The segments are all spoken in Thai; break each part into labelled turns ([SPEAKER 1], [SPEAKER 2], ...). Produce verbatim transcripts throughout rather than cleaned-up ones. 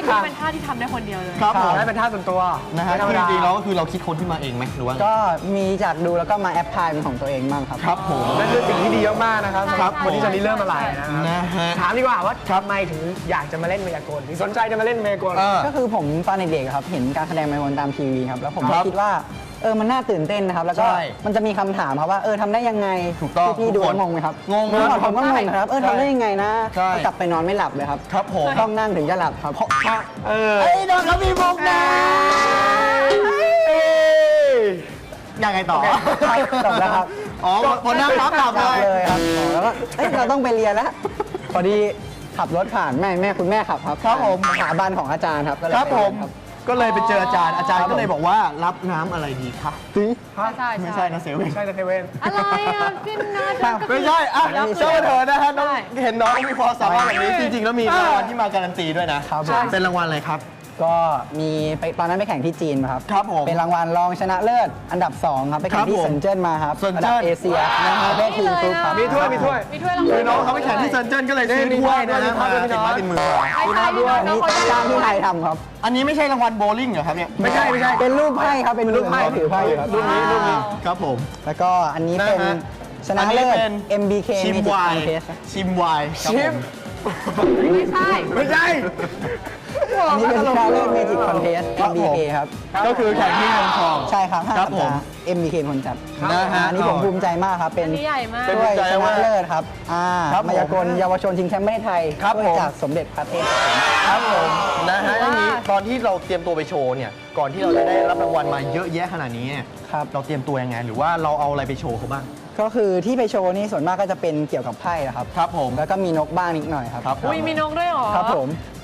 [SPEAKER 1] นี่เป็นท่าที่ทำได้คนเดียวเลย
[SPEAKER 2] ครับผม
[SPEAKER 3] ได้เป็นท่าส่วนตัว
[SPEAKER 2] นะฮะจริงๆแล้วก็คือเราคิดค้นขึ้นมาเองไหมหรือว่า
[SPEAKER 4] ก็มีจากดูแล้วก็มาแอปพลายเป็นของตัวเองบ้างครับ
[SPEAKER 2] ครับผม
[SPEAKER 3] นั่นคือสิ่งที่ดีมากๆนะครับ
[SPEAKER 2] ครับ
[SPEAKER 3] วันนี้จะริเริ่มอะไรนะครับ
[SPEAKER 2] นะฮะ
[SPEAKER 3] ถามดีกว่าว่าทำไมถึงอยากจะมาเล่นมายากลถึงสนใจจะมาเล่นมายากล
[SPEAKER 2] เออ
[SPEAKER 4] ก็คือผมตอนเด็กๆครับเห็นการแสดงมายากลตามทีวีครับแล้วผม
[SPEAKER 2] ค
[SPEAKER 4] ก็
[SPEAKER 2] รับ
[SPEAKER 4] คิดว่าเออมันน่าตื่นเต้นนะครับแล้วก็
[SPEAKER 2] ใช่
[SPEAKER 4] มันจะมีคำถามครับว่าเออทำได้ยังไง
[SPEAKER 2] ถูกต้อง
[SPEAKER 4] พี่ๆดู
[SPEAKER 2] ทุกคน
[SPEAKER 4] แล้วงงไหมครับ
[SPEAKER 2] งง
[SPEAKER 4] เมื่อก่อน
[SPEAKER 2] นะ
[SPEAKER 4] ผมก็งงครับเออ
[SPEAKER 2] ใช่
[SPEAKER 4] ทำได้ยังไงนะ
[SPEAKER 2] ใช่
[SPEAKER 4] กลับไปนอนไม่หลับเลยครับ
[SPEAKER 2] ครับผม
[SPEAKER 4] ต้องนั่งถึงจะหลับครับ
[SPEAKER 3] เออ
[SPEAKER 2] เอ้ยโดนเขามีมุกนะยังไงต่อ
[SPEAKER 4] จบแล้วครับ
[SPEAKER 2] อ๋อพอนั่งรับหลับ
[SPEAKER 4] ห
[SPEAKER 2] เล
[SPEAKER 4] ลับ
[SPEAKER 2] ย
[SPEAKER 4] เลยครับอ๋อแล้วก็เอ้ยเราต้องไปเรียนแล้วพอดีขับรถผ่านแม่แม่คุณแม่ขับครับ
[SPEAKER 2] ครับผม
[SPEAKER 4] สถาบันของอาจารย์ครับก็เลย
[SPEAKER 2] ครับ
[SPEAKER 4] ไป
[SPEAKER 2] ผ
[SPEAKER 4] เรีย
[SPEAKER 2] ม
[SPEAKER 4] นครับ
[SPEAKER 2] ก็เลยไปเจออาจารย์ อาจารย์ก็เลยบอกว่ารับน้ำอะไรดีคะจริง
[SPEAKER 1] ใช่ใช่
[SPEAKER 2] ไม่ใช่นะเซเว่น
[SPEAKER 3] ใช่นะเทเวน
[SPEAKER 1] อะไรอ่ะพี่นัทก็คือ
[SPEAKER 2] ไม่ใช่อ่ะ
[SPEAKER 1] รับ
[SPEAKER 2] เจ้าเธอนะฮะน้อง
[SPEAKER 1] ใช่
[SPEAKER 2] เห็นน้องมีความสามารถแบบนี้จริงๆ แล้วมีรางวัลที่มาการันตีด้วยนะครับ
[SPEAKER 4] ผม
[SPEAKER 2] เป็นรางวัลอะไรครับ
[SPEAKER 4] ก็มีไปตอนนั้นไปแข่งที่จีนมาครับ
[SPEAKER 2] ครับผม
[SPEAKER 4] เป็นรางวัลรองชนะเลิศอันดับสองครับไปแข่งที่
[SPEAKER 2] ครับผม
[SPEAKER 4] เซินเจิ้นมาครับ
[SPEAKER 2] เซิน
[SPEAKER 4] ระ
[SPEAKER 2] เจิ้
[SPEAKER 4] ดั
[SPEAKER 2] น
[SPEAKER 4] บเอเชียประเภททีมกรุ๊ปครับ
[SPEAKER 3] มีถ้วยมีถ้วย
[SPEAKER 1] มีถ้วยรางวัล
[SPEAKER 2] คือน้องเขาไปแข่งที่เซินเจิ้นก็เลยซื้อ
[SPEAKER 3] นี่
[SPEAKER 2] ถ้วยนะ
[SPEAKER 3] มี
[SPEAKER 2] ฮะ
[SPEAKER 3] ถ้วย
[SPEAKER 2] มา
[SPEAKER 3] มี
[SPEAKER 2] ติด
[SPEAKER 3] ถ้วย
[SPEAKER 2] ไม้ติดมือ
[SPEAKER 1] ไม่ใช่พี่นัท
[SPEAKER 4] อันนี้
[SPEAKER 1] เขาจะ
[SPEAKER 4] จ้างที่ไทยทำครับ
[SPEAKER 2] อันนี้ไม่ใช่รางวัลโบว์ลิ่งเหรอครับเนี่ย
[SPEAKER 3] ไม่ใช่ไม่ใช่
[SPEAKER 4] เป็นรูปไพ่ครับเป็นรูปไพ่ถือไพ่อยู่ครับ
[SPEAKER 2] รุ่นนี้รุ่นนี้ครับผม
[SPEAKER 4] แล้วก็อันนี้เป็น
[SPEAKER 2] นะฮะ
[SPEAKER 4] ชนะเลิ
[SPEAKER 2] อั
[SPEAKER 4] ศ
[SPEAKER 2] เป็น
[SPEAKER 4] เอ็ม บี เค
[SPEAKER 2] ชิม
[SPEAKER 4] Magic
[SPEAKER 2] ไวน์
[SPEAKER 4] Contest
[SPEAKER 2] ชิมไวน์ครับ
[SPEAKER 3] ชิม
[SPEAKER 2] ผม
[SPEAKER 1] ไม่ใช่
[SPEAKER 3] ไม่ใช่
[SPEAKER 4] อันนี้เป็นชนะเลิศ Magic Contest
[SPEAKER 2] ครับ
[SPEAKER 4] เอ็ม บี
[SPEAKER 2] ผม
[SPEAKER 4] เค ครับ
[SPEAKER 2] ก็คือแข่งที่เมืองทอง
[SPEAKER 4] ใช่ครับห้า
[SPEAKER 2] ครั
[SPEAKER 4] สั
[SPEAKER 2] บ
[SPEAKER 4] ป
[SPEAKER 2] ผม
[SPEAKER 4] ดาห์ เอ็ม บี เค เป็นคนจัด
[SPEAKER 2] นะฮะ
[SPEAKER 4] อันนี้ผมภูมิใจมากครับ เป็น
[SPEAKER 1] อันนี้ใหญ่มาก
[SPEAKER 2] เป็น
[SPEAKER 4] ถ้วย
[SPEAKER 2] ภูมิใจ
[SPEAKER 4] ช
[SPEAKER 2] ว่า
[SPEAKER 4] นะเลิศครับอ่า
[SPEAKER 2] ครับผม
[SPEAKER 4] มายากลเยาวชนชิงแชมป์ประเทศไทย
[SPEAKER 2] ครับ
[SPEAKER 4] ถ้วย
[SPEAKER 2] ผม
[SPEAKER 4] จากสมเด็จพระเทพ
[SPEAKER 2] ครับผมนะฮะ
[SPEAKER 1] ถื
[SPEAKER 2] อ
[SPEAKER 1] อว่า
[SPEAKER 2] ย่างนี้ตอนที่เราเตรียมตัวไปโชว์เนี่ยก่อนที่เราจะได้รับรางวัลมาเยอะแยะขนาดนี้เนี่ย
[SPEAKER 4] ครับ
[SPEAKER 2] เราเตรียมตัวยังไง หรือว่าเราเอาอะไรไปโชว์เขาบ้าง
[SPEAKER 4] ก็คือที่ไปโชว์นี่ส่วนมากก็จะเป็นเกี่ยวกับไพ่นะครับ
[SPEAKER 2] ครับผม
[SPEAKER 4] แล้วก็มีนกบ้างนิดหน่อยครับ
[SPEAKER 2] ครับ
[SPEAKER 1] อุ้ยมีนกด้วยเหรอ
[SPEAKER 4] ครับผม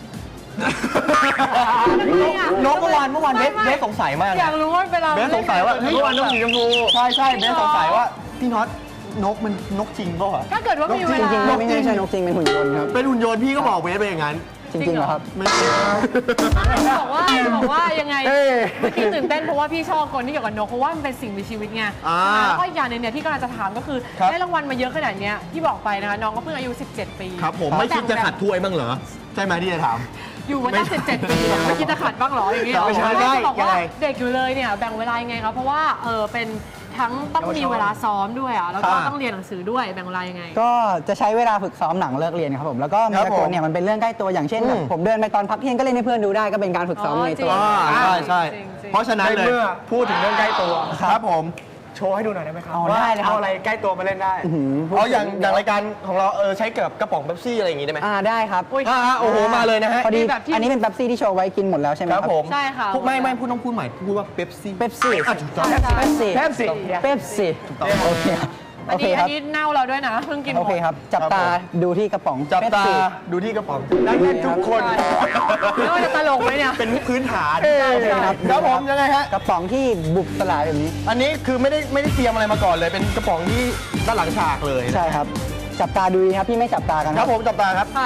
[SPEAKER 2] นกเมื่อวานเมื่อวานเบสเบสสงสัยมาก
[SPEAKER 1] อยา
[SPEAKER 2] นะ
[SPEAKER 1] กรู้ว่าเวลา
[SPEAKER 2] เบสสงสัยว่าเฮ้ย
[SPEAKER 3] เมื่อวานนกสีชมพู
[SPEAKER 2] ใช่ใช่เบสสงสัยว่าพี่น็อตนกมันนกจริงเปล่าวะ
[SPEAKER 1] ถ้าเกิดว่ามีเว
[SPEAKER 4] จ
[SPEAKER 1] ลา
[SPEAKER 4] ริงๆแล้วไม่ไม่ใช่นกจริงเป็นหุ่นยนต์ครับ
[SPEAKER 2] เป็นหุ่นยนต์พี่ก็บอกเบสไปอย่างนั้น
[SPEAKER 4] จริงๆเหรอครับ
[SPEAKER 2] ไม่ใช่
[SPEAKER 1] จะบอกว่าจะบอกว่ายังไง
[SPEAKER 2] เอ้ย
[SPEAKER 1] เมื่อกี้ตื่นเต้นเพราะว่าพี่ชอบคนที่เกี่ยวกับนกเพราะว่ามันเป็นสิ่งมีชีวิตไง
[SPEAKER 2] อ่า
[SPEAKER 1] แล้วก็อีกอย่างหนึงเนี่ยที่กำลังจะถามก็คือ
[SPEAKER 2] ครับ
[SPEAKER 1] ได้รางวัลมาเยอะขนาดเนี้ยที่บอกไปนะคะน้องก็เพิ่งอายุสิบเจ็ดปี
[SPEAKER 2] ครับผมไม่คิดจะขัดถ้วยบ้างเหรอใช่ไหมที่จะถาม
[SPEAKER 1] อยู่มาตั้งสิบเจ็ดปีไม่คิดจะขัดบ้างเหรออย่างนี้เหรอ
[SPEAKER 2] ไม่ใช่ได้
[SPEAKER 1] จะบอกว่า
[SPEAKER 2] ยังไง
[SPEAKER 1] เด็กอยู่เลยเนี่ยแบ่งเวลายังไงครับเพราะว่าเออเป็นทั้งต้องมีเวลาซ้อมด้วยอ่ะแล้วก็
[SPEAKER 2] ค่ะ
[SPEAKER 1] ต้องเรียนหนังสือด้วยแบ่งเวลายังไง
[SPEAKER 4] ก็จะใช้เวลาฝึกซ้อมหลังเลิกเรียนครับผม แล้วก็มายากลเนี่ยมันเป็นเรื่องใกล้ตัวอย่างเช่นแบบ
[SPEAKER 2] อืม
[SPEAKER 4] ผมเดินไปตอนพักเที่ยงก็เล่นให้เพื่อนดูได้ก็เป็นการฝึกซ้อม
[SPEAKER 1] อ๋อ
[SPEAKER 4] ในตัว
[SPEAKER 1] จริง
[SPEAKER 2] อ่าใช่ใช่
[SPEAKER 1] จริงๆ
[SPEAKER 2] เพราะฉะนั้น
[SPEAKER 3] ใน
[SPEAKER 2] เลย
[SPEAKER 3] เมื่อพูดถึงเรื่องใกล้ตัว
[SPEAKER 2] ครับผม
[SPEAKER 3] โชว์ให้ดูหน่อยได้ไหมครับ
[SPEAKER 4] เอา
[SPEAKER 3] ว่า
[SPEAKER 4] ได้เลยครับ
[SPEAKER 3] เอาอะไรใกล้ตัวมาเล่นได้
[SPEAKER 4] อื้อหือ
[SPEAKER 2] เอาอย่างอย่างรายการของเราเออใช้กับกระป๋องเป๊ปซี่อะไรอย่างงี้ได้ไหม
[SPEAKER 4] อ่าได้ครับ
[SPEAKER 2] อ่าโอ้โหมาเลยนะฮะ
[SPEAKER 4] พอดี
[SPEAKER 1] มีแบบที่
[SPEAKER 4] อันนี้เป็นเป๊ปซี่ที่โชว์ไว้กินหมดแล้วใช่ไหม
[SPEAKER 2] ค
[SPEAKER 4] ค
[SPEAKER 2] รั
[SPEAKER 4] รั
[SPEAKER 2] บบ ผม
[SPEAKER 1] ใช่ค่ะ
[SPEAKER 2] พูดไม่ไม่พูดต้องพูดใหม่พูดว่าเป๊ปซี่
[SPEAKER 4] เป๊ปซี่
[SPEAKER 2] อ่ะถูกต้อง
[SPEAKER 1] ใช่ใช่
[SPEAKER 4] เป๊ปซี่
[SPEAKER 3] แป๊บสิ
[SPEAKER 4] เป๊ปซี่โอเคครับ
[SPEAKER 1] อั
[SPEAKER 4] โอน เค
[SPEAKER 1] นี้
[SPEAKER 4] ค
[SPEAKER 1] อั
[SPEAKER 4] รั
[SPEAKER 1] น
[SPEAKER 4] บ
[SPEAKER 1] นี้เน่าเราด้วยนะเพิ่งกินหม
[SPEAKER 4] โอ
[SPEAKER 1] ด
[SPEAKER 4] เคครับ จับตา
[SPEAKER 2] ครับผม
[SPEAKER 4] ดูที่กระป๋อง
[SPEAKER 2] จับตา
[SPEAKER 4] เป๊ปซี่
[SPEAKER 2] ดูที่กระป๋อง
[SPEAKER 3] นักเล่นทุกคน
[SPEAKER 1] ไม่ว่าจะตลกไหมเนี่ย
[SPEAKER 2] เป็นมุกพื้นฐาน
[SPEAKER 4] โอเคครับ
[SPEAKER 2] ครับผมยังไงฮะ
[SPEAKER 4] กระป๋องที่บุบสลายแบบนี้
[SPEAKER 2] อันนี้คือไม่ได้ไม่ได้เตรียมอะไรมาก่อนเลย เป็นกระป๋องที่ด้านหลังฉากเลย
[SPEAKER 4] ใช่ครับ จับตาดูดีครับพี่ไม่จับตากัน
[SPEAKER 2] ครับผมจับตาครับ
[SPEAKER 1] ค่ะ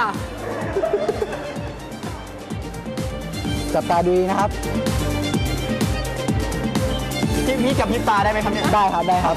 [SPEAKER 4] จับตาดูดีนะครับ
[SPEAKER 2] พี่พี่จับพริบตาได้ไหมครับเนี่ย
[SPEAKER 4] ได้ครับได้ครับ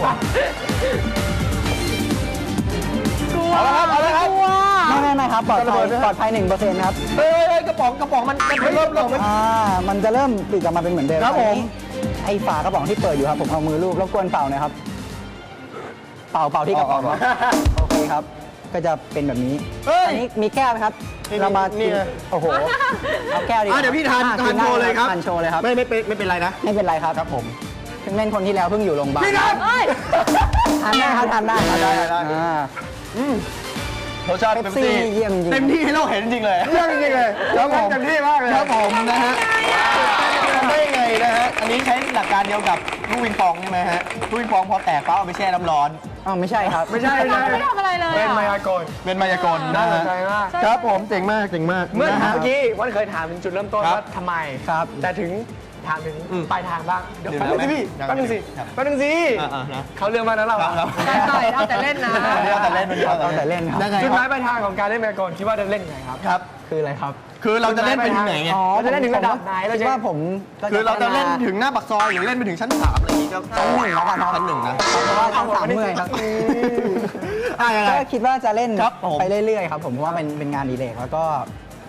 [SPEAKER 1] กลัว
[SPEAKER 2] เอาละครับเอาละครับ
[SPEAKER 1] กลัว
[SPEAKER 4] ไม่ไม่ไม่ครับปลอด
[SPEAKER 2] จะระ
[SPEAKER 4] ภั
[SPEAKER 2] เบิ
[SPEAKER 4] ย
[SPEAKER 2] ดไหมครับ
[SPEAKER 4] ปลอดภัยหนึ่งเปอร์เซ็นต์ครับ
[SPEAKER 2] เฮ้ยเฮ้ยกระป๋องกระป๋องมันมันเริ่มเริ่มมัน
[SPEAKER 4] อ่ามันจะเริ่มปิดกลับมาเป็นเหมือนเดิม
[SPEAKER 2] ครับผม
[SPEAKER 4] อันนี้ไอ้ฝากระป๋องที่เปิดอยู่ครับผมเอามือลูบรบกวนเป่าหน่อยครับ เป่าเป่าที่กระป๋องครับโอเคครับ ก็จะเป็นแบบนี้
[SPEAKER 2] เฮ้ย
[SPEAKER 4] อันนี้มีแก้วไหมครับ
[SPEAKER 2] นี่
[SPEAKER 4] เรามา
[SPEAKER 2] นี่
[SPEAKER 4] กิน
[SPEAKER 2] ไง
[SPEAKER 4] โอ้โหเอาแก้วดีก
[SPEAKER 2] อ่ะ
[SPEAKER 4] ว่า
[SPEAKER 2] เดี๋ยวพี่ทาน
[SPEAKER 4] อ่ะ
[SPEAKER 2] ทาน
[SPEAKER 4] กิ
[SPEAKER 2] โชว์เลยครับ
[SPEAKER 4] ทานโชว์เลยครับ
[SPEAKER 2] ไม่ไม่เป็นไม่เป็นไรนะ
[SPEAKER 4] ไม่เป็นไรครับ
[SPEAKER 2] ครับผม
[SPEAKER 4] เพิ่งเล่นคนที่แล้วเพิ่งอยู่โรงพยาบาล
[SPEAKER 2] พี่นัท
[SPEAKER 1] เอ้ย
[SPEAKER 4] ทานได้ครับทานได้ครับ
[SPEAKER 2] ได้ได้ได้
[SPEAKER 4] อ่า
[SPEAKER 2] รสชาติ
[SPEAKER 4] เป๊ป
[SPEAKER 2] เป๊ป
[SPEAKER 4] ซี่
[SPEAKER 2] ซี่
[SPEAKER 4] เยี่ยมจริง
[SPEAKER 2] เต็มที่ให้เราเห็นจริงเลย
[SPEAKER 3] เรื่องจริงๆเลย
[SPEAKER 2] ครับผม
[SPEAKER 3] เต็มที่มากเลย
[SPEAKER 2] ครับผมนะฮะทำได้ยังไงนะฮะอันนี้ใช้หลักการเดียวกับลูกวิงปองใช่ไหมฮะลูกวิงปองพอแตกฟ้าเอาไปแช่น้ำร้อน
[SPEAKER 4] อ๋อไม่ใช่ครับ
[SPEAKER 3] ไม่ใช่ไม่ใช่
[SPEAKER 1] ไม่ทำอะไรเลย
[SPEAKER 3] เป็น
[SPEAKER 1] อะ
[SPEAKER 3] มายากล
[SPEAKER 2] เป็นมายากล
[SPEAKER 3] น่า
[SPEAKER 2] นะ
[SPEAKER 3] สน
[SPEAKER 2] ฮะ
[SPEAKER 3] ใจมาก
[SPEAKER 2] ครับผมเจ๋งมากเจ๋งมาก
[SPEAKER 3] เมื่อ
[SPEAKER 2] นะฮะ
[SPEAKER 3] เมื่อกี้วันเคยถามถึงจุดเริ่มต้น
[SPEAKER 2] ครับ
[SPEAKER 3] ว่าทำไม
[SPEAKER 4] ครับ
[SPEAKER 3] แต่ถึงถามถึง
[SPEAKER 2] อืม
[SPEAKER 3] ปลายทางบ้างเดี๋ยว
[SPEAKER 2] เดี๋ยว
[SPEAKER 3] แป๊บนึงสิพี่
[SPEAKER 2] นะ
[SPEAKER 3] แป๊บนึงสิ
[SPEAKER 2] ครับ
[SPEAKER 3] แป๊บนึงสิ
[SPEAKER 2] อ่าๆนะ
[SPEAKER 3] เขาเรื่องมาแล้วเรา
[SPEAKER 2] ครับครับ
[SPEAKER 1] ได้ต่อยเอาแต่เล่นนะ
[SPEAKER 2] วันนี้เอาแต่เล่นวันนี้
[SPEAKER 4] เอาแต่เล่นครับ
[SPEAKER 2] ยังไง
[SPEAKER 3] จุด
[SPEAKER 2] ค
[SPEAKER 3] ห
[SPEAKER 2] รั
[SPEAKER 3] มาย
[SPEAKER 2] บ
[SPEAKER 3] ปลายทางของการเล่นมายากลคิดว่าจะเล่นยังไงครับ
[SPEAKER 2] ครับ
[SPEAKER 4] คืออะไรครับ
[SPEAKER 2] คือเราจะเล่นไปถึงไหนไง
[SPEAKER 4] อ๋อ
[SPEAKER 3] เราจะเล่นถึงระดับไหนเรา
[SPEAKER 4] คิ
[SPEAKER 3] จะ
[SPEAKER 4] ดว่าผมก็
[SPEAKER 2] คือเราจะเล่น
[SPEAKER 4] พัฒ
[SPEAKER 2] ถึงหน้าปากซอยหรือเล่นไปถึงชั้นสามอะไรอย่างงี้ก็
[SPEAKER 4] ชั้นหนึ่งแล้วกันครับ
[SPEAKER 2] ชั้นหนึ่งนะ
[SPEAKER 4] เพราะว่าชั้นสามเมื่อยครับ
[SPEAKER 2] อ่ะยังไง
[SPEAKER 4] ก็คิดว่าจะเล่น
[SPEAKER 2] ครับผม
[SPEAKER 4] ไปเรื่อยๆครับผมเพราะว่าเป็นเป็นงานอดีเลกแล้วก็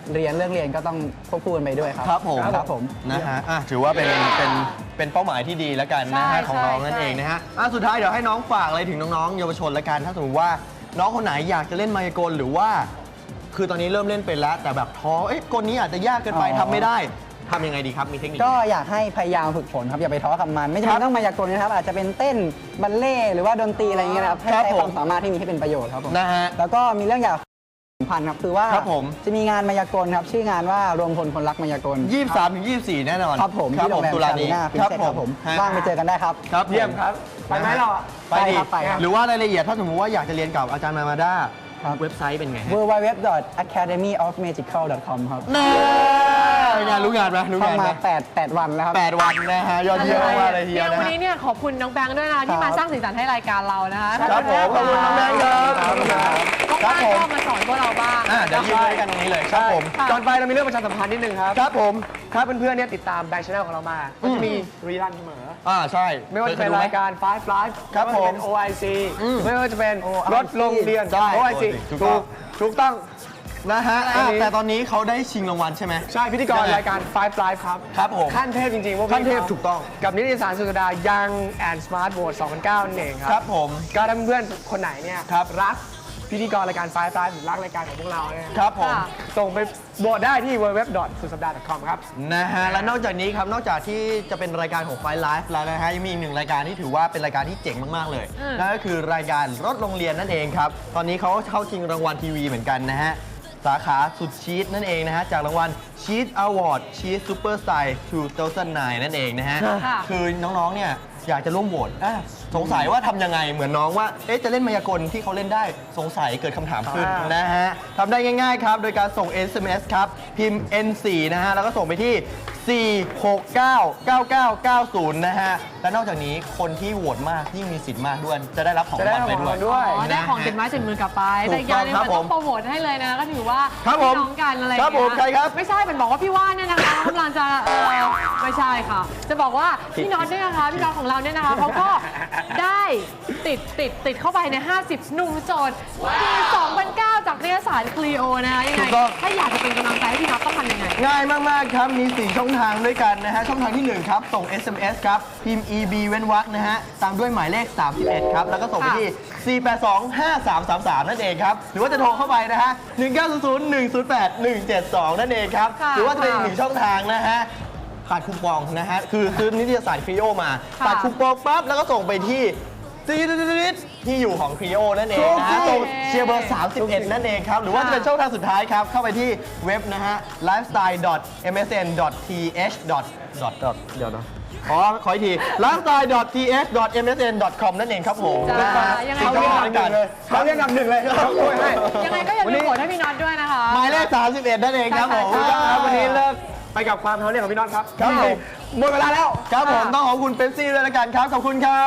[SPEAKER 4] เรียนเรื่องเรียนก็ต้องควบคู่กันไปด้วยครับ
[SPEAKER 2] ครับผม
[SPEAKER 4] ครับผม
[SPEAKER 2] นะฮะอ่ะถือว่าเป็นเป็นเป็นเป้าหมายที่ดีแล้วกันนะ
[SPEAKER 1] ใช่
[SPEAKER 2] ฮะของน้อง
[SPEAKER 1] ใช่
[SPEAKER 2] นั่น
[SPEAKER 1] ใช่
[SPEAKER 2] เองนะฮะอ่ะสุดท้ายเดี๋ยวให้น้องฝากอะไรถึงน้องๆเยาวชนแล้วกันถ้าสมมติว่าน้องคนไหนอยากจะเล่นมายากลหรือว่า คือตอนนี้เริ่มเล่นเป็นแล้วแต่แบบท้อเอ๊ะกลนี้อาจจะยากเกินไป
[SPEAKER 4] อ๋อ
[SPEAKER 2] ทำไม่ได้ทำยังไงดีครับมีเทคนิค
[SPEAKER 4] ก็อยากให้พยายามฝึกฝนครับอย่าไปท้อกับมัน ไม่จำ
[SPEAKER 2] ครั
[SPEAKER 4] เป็
[SPEAKER 2] บ
[SPEAKER 4] นต้องมายากลนะครับอาจจะเป็นเต้นบัลเล่ต์หรือว่าดนตรีอะไรอย่างเงี้ยนะครับให้
[SPEAKER 2] ครับ
[SPEAKER 4] ใช้
[SPEAKER 2] ผม
[SPEAKER 4] ความสามารถที่มีให้เป็นประโยชน์ครับผม
[SPEAKER 2] นะฮะ
[SPEAKER 4] แล้วก็มีเรื่องอยากสัมพันธ์ครับคือว่า
[SPEAKER 2] ครับผม
[SPEAKER 4] จะมีงานมายากลครับชื่องานว่ารวมพลคนรักมายากล
[SPEAKER 2] ยี่สิบสามถึงยี่สิบสี่แน่นอน
[SPEAKER 4] ครับผมที่โรงแรม
[SPEAKER 2] ตุลา
[SPEAKER 4] ชาลี
[SPEAKER 2] นี้
[SPEAKER 4] น่าพิน
[SPEAKER 2] ครับ
[SPEAKER 4] เซส
[SPEAKER 2] ผ
[SPEAKER 4] ครับผม
[SPEAKER 2] ฮะ
[SPEAKER 4] ว่างไปเจอกันได้ครับ
[SPEAKER 2] ครับ
[SPEAKER 3] เยี่ยมครับไปไหมเราอะ
[SPEAKER 2] ไปดิ
[SPEAKER 4] ไปครับไปครับ
[SPEAKER 2] หรือว่ารายละเอียดถ้าสมมติว่าอยากจะเรียนกับอาจารย์มามาด้า
[SPEAKER 4] ครับ
[SPEAKER 2] เว็บไซต์เป็นไงฮะ
[SPEAKER 4] ดับเบิลยู ดับเบิลยู ดับเบิลยู ดอท อะคาเดมี่ ออฟ เมจิคอล ดอท คอม ครับ
[SPEAKER 2] น่างานรู้งานไหมรู้าน
[SPEAKER 4] เข้างมา
[SPEAKER 2] ไหม
[SPEAKER 4] แปด 8 วันแล้วครับ
[SPEAKER 2] แปดวันนะฮะยอดเยี่ยมมากๆเลยทีเดียว
[SPEAKER 1] เนี่ย
[SPEAKER 2] นะ
[SPEAKER 1] วัน
[SPEAKER 2] ฮะ
[SPEAKER 1] นี้เนี่ยขอบคุณน้องแบงค์ด้วยนะที่
[SPEAKER 4] ครับ
[SPEAKER 1] มาสร้างสีสันให้รายการเรานะคะ
[SPEAKER 2] ครับผมขอบคุณน้องแบงค์ครับ
[SPEAKER 3] ครับ
[SPEAKER 2] ครั
[SPEAKER 1] ว่าง
[SPEAKER 2] บผม
[SPEAKER 1] ๆก็มาสอนพวกเราบ้าง
[SPEAKER 2] อ่ะเดี๋ยวยืนด้วยกันตรงนี้เลยครับผม
[SPEAKER 1] ค่ะ
[SPEAKER 3] ก่อนไปเรามีเรื่องประชาสัมพันธ์นิดนึงครับ
[SPEAKER 2] ครับผม
[SPEAKER 3] ถ้าเพื่อนๆเนี่ยติดตามแบงค์ชาแนลของเรามาก็จะมีรีรันเสมอ
[SPEAKER 2] อ่าใช่
[SPEAKER 3] ไม่ว่าจะเป็น
[SPEAKER 2] คดูไห
[SPEAKER 3] รายการ Five Live
[SPEAKER 2] ครับ
[SPEAKER 3] ไม่ว่าจะเป็น
[SPEAKER 2] ผม
[SPEAKER 3] โอ ไอ ซี
[SPEAKER 2] อืม
[SPEAKER 3] ไม่ว่าจะเป็น
[SPEAKER 4] โอ้
[SPEAKER 3] รถโรงเรียน
[SPEAKER 2] ใช่
[SPEAKER 3] โอ ไอ ซี
[SPEAKER 2] ถูกต้
[SPEAKER 3] ถู
[SPEAKER 2] อง
[SPEAKER 3] กถูกต้อง
[SPEAKER 2] นะฮะอ่ะ
[SPEAKER 3] อันนี้
[SPEAKER 2] แต่ตอนนี้เขาได้ชิงรางวัลใช่ไหม
[SPEAKER 3] ใช่พิธีกรรายการ Five Live ครับ
[SPEAKER 2] ครับผม
[SPEAKER 3] ขั้นเทพจริงๆพวก
[SPEAKER 2] ขั้นเทพ
[SPEAKER 3] ขา
[SPEAKER 2] ถูกต้อง
[SPEAKER 3] กับนิตยสารสุดสัปดาห์ Young and Smart Vote สองพันเก้านั่นเองค
[SPEAKER 2] ค
[SPEAKER 3] รั
[SPEAKER 2] รับ บผม
[SPEAKER 3] ก็ถ้าเพื่อนๆคนไหนเนี่ย
[SPEAKER 2] ครับ
[SPEAKER 3] รักพิธีกรรายการ Five Live หรือรักรายการของพวกเราเนี่ย
[SPEAKER 2] ครับผม
[SPEAKER 1] ค่ะ
[SPEAKER 3] ส่งไปโหวตได้ที่ ดับเบิลยู ดับเบิลยู ดับเบิลยู ดอท สุดสัปดาห์ ดอท คอม ครับ
[SPEAKER 2] นะฮะและนอกจากนี้ครับนอกจากที่จะเป็นรายการของไฟไลฟ์แล้วนะฮะยังมีอีกหนึ่งรายการที่ถือว่าเป็นรายการที่เจ๋งมากๆเลย
[SPEAKER 1] อืม
[SPEAKER 2] นั่นก็คือรายการรถโรงเรียนนั่นเองครับตอนนี้เขาเข้าชิงรางวัลทีวีเหมือนกันนะฮะสาขาสุดชีตนั่นเองนะฮะจากรางวัลชีตอวอร์ดชีตซูเปอร์สไตล์สองพันเก้านั่นเองนะฮะ
[SPEAKER 1] ค่ะ
[SPEAKER 2] คือน้องๆเนี่ยอยากจะร่วมโหวตอ่ะสงสัยว่าทำยังไงเหมือนน้องว่าเอ๊ะจะเล่นมายากลที่เขาเล่นได้สงสัยเกิดคำถามขึ้น
[SPEAKER 3] อ่าน
[SPEAKER 2] นะฮะทำได้ง่ายๆครับ โดยการส่ง เอส เอ็ม เอส ครับ พิมพ์ เอ็น โฟร์ นะฮะ แล้วก็ส่งไปที่ สี่ หก เก้า เก้า เก้า เก้า ศูนย์ นะฮะ และนอกจากนี้คนที่โหวตมากยิ่งมีสิทธิ์มากด้วย จะได้รับของ
[SPEAKER 3] จะได้
[SPEAKER 2] รางวัลไป
[SPEAKER 3] ของ
[SPEAKER 2] ด้วย
[SPEAKER 3] รางวัลด้วย
[SPEAKER 1] อ๋อได้ของติดไม้ติดมือกลับไป
[SPEAKER 2] ถูก
[SPEAKER 1] แต่อีกอย่างหนึง
[SPEAKER 2] ต้อง
[SPEAKER 1] มัน
[SPEAKER 2] ครับ
[SPEAKER 1] ต้องโปรโมทให้เลยนะก็ถือว่า
[SPEAKER 2] ครับผม
[SPEAKER 1] พี่น้องกันอะไร
[SPEAKER 2] ครับผม
[SPEAKER 1] เงี้ย
[SPEAKER 2] ใครครับ
[SPEAKER 1] ไม่ใช่มันบอกว่าพี่ว่านเนี่ยนะคะเขากำลังจะเออไม่ใช่ค่ะ จะบอกว่าพี่น็อตเนี่ยนะคะพี่น็อตของเราเนี่ยนะคะเขาก็ได้ติดติดติดเข้าไปใน ห้าสิบ หนุ่มโสดปีสองพันเก้าจากนิตยสารคลีโอนะคะยังไง
[SPEAKER 2] ถูกต้อง
[SPEAKER 1] ถ้าอยากจะเป็นกำลังใจให้พี่น็อตต้องทำยังไง
[SPEAKER 2] ง่ายมากๆครับ มี สี่ ช่องทางด้วยกันนะฮะ ช่องทางที่ หนึ่ง ครับ ส่ง เอส เอ็ม เอส ครับ พิมพ์ อี บี เว้นวรรคนะฮะ ตามด้วยหมายเลข สามสิบเอ็ด ครับ แล้วก็ส่งไปที่ สี่ แปด สอง ห้า สาม สาม สาม นั่นเองครับ หรือว่าจะโทรเข้าไปนะฮะ หนึ่ง เก้า ศูนย์ ศูนย์ หนึ่ง ศูนย์ แปด หนึ่ง เจ็ด สอง นั่นเองครับ
[SPEAKER 1] ค่ะ
[SPEAKER 2] หรือว่าจะเป็นอีก
[SPEAKER 1] ค่ะ
[SPEAKER 2] หนึ่งช่องทางนะฮะ ขาดคูปองนะฮะ คือซื้อนิตยสารครีโอมา
[SPEAKER 1] ค่ะ
[SPEAKER 2] ตัดคูปองปั๊บ แล้วก็ส่งไปที่ที่อยู่ของครีโอนั่นเองนะฮะ
[SPEAKER 1] ถูก
[SPEAKER 2] ตรงเชียร์เบอร์ สามสิบเอ็ด นั่นเองครับ หรือว่าจะเป็นช่องทางสุดท้ายครับ เข้าไปที่เว็บนะฮะ ไลฟ์สไตล์ ดอท เอ็ม เอส เอ็น ดอท ที เอช ดอท ดอท เดี๋ยวนะอ๋อ ขออีกที ไลฟ์สไตล์ ดอท ที เอช ดอท เอ็ม เอส เอ็น ดอท คอม นั่นเองครับผม
[SPEAKER 1] จ้า
[SPEAKER 2] นะฮะ
[SPEAKER 1] ยังไง
[SPEAKER 2] เขา
[SPEAKER 3] เขา
[SPEAKER 2] เรี
[SPEAKER 3] เรี
[SPEAKER 2] ย
[SPEAKER 3] ย
[SPEAKER 2] ก
[SPEAKER 3] ก
[SPEAKER 2] อั
[SPEAKER 3] อั
[SPEAKER 2] น
[SPEAKER 3] น
[SPEAKER 2] ดั
[SPEAKER 3] ดั
[SPEAKER 2] บบ ห
[SPEAKER 3] ห
[SPEAKER 2] นึ่
[SPEAKER 3] นึ่
[SPEAKER 2] ง
[SPEAKER 3] ง
[SPEAKER 2] เล
[SPEAKER 3] เลย ยเขาช่วยให้
[SPEAKER 1] ยังไงก็อย่าลืมโหวตให้พี่น็อตด้วยนะคะ
[SPEAKER 2] หมายเลข สามสิบเอ็ด นั่นเองครับผม
[SPEAKER 1] ใช่
[SPEAKER 3] ครับวันนี้เลิกไปกับความเขาเรียกของพี่น็อตครับ
[SPEAKER 2] ครับผม
[SPEAKER 3] หมดเวลาแล้ว
[SPEAKER 2] ครับผม ต้องขอบคุณเป๊ปซี่ด้วยละกันครับ ขอบคุณครับ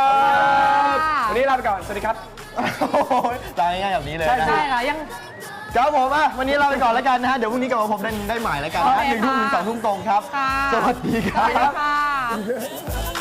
[SPEAKER 3] วันนี้ลาไปก่อน สวัสดีครับ
[SPEAKER 2] โอ้โหตายง่ายๆแบบนี้เลยนะ
[SPEAKER 1] ใช่
[SPEAKER 2] ฮะ
[SPEAKER 1] ค่ะยัง
[SPEAKER 2] ครับผมอ่ะวันนี้เราไปก่อนแล้วกันนะฮะ เดี๋ยวพรุ่งนี้กลับมาพบได้ได้ใหม่แล้วกันนะ
[SPEAKER 1] โอเค
[SPEAKER 2] หนึ่งทุ่มถึง
[SPEAKER 1] ค่ะ
[SPEAKER 2] สองทุ่มตรงครับ
[SPEAKER 1] ค่ะ
[SPEAKER 2] สวัสดีค
[SPEAKER 1] ส
[SPEAKER 2] รั
[SPEAKER 1] วัสดี
[SPEAKER 2] บ
[SPEAKER 1] ค่ะ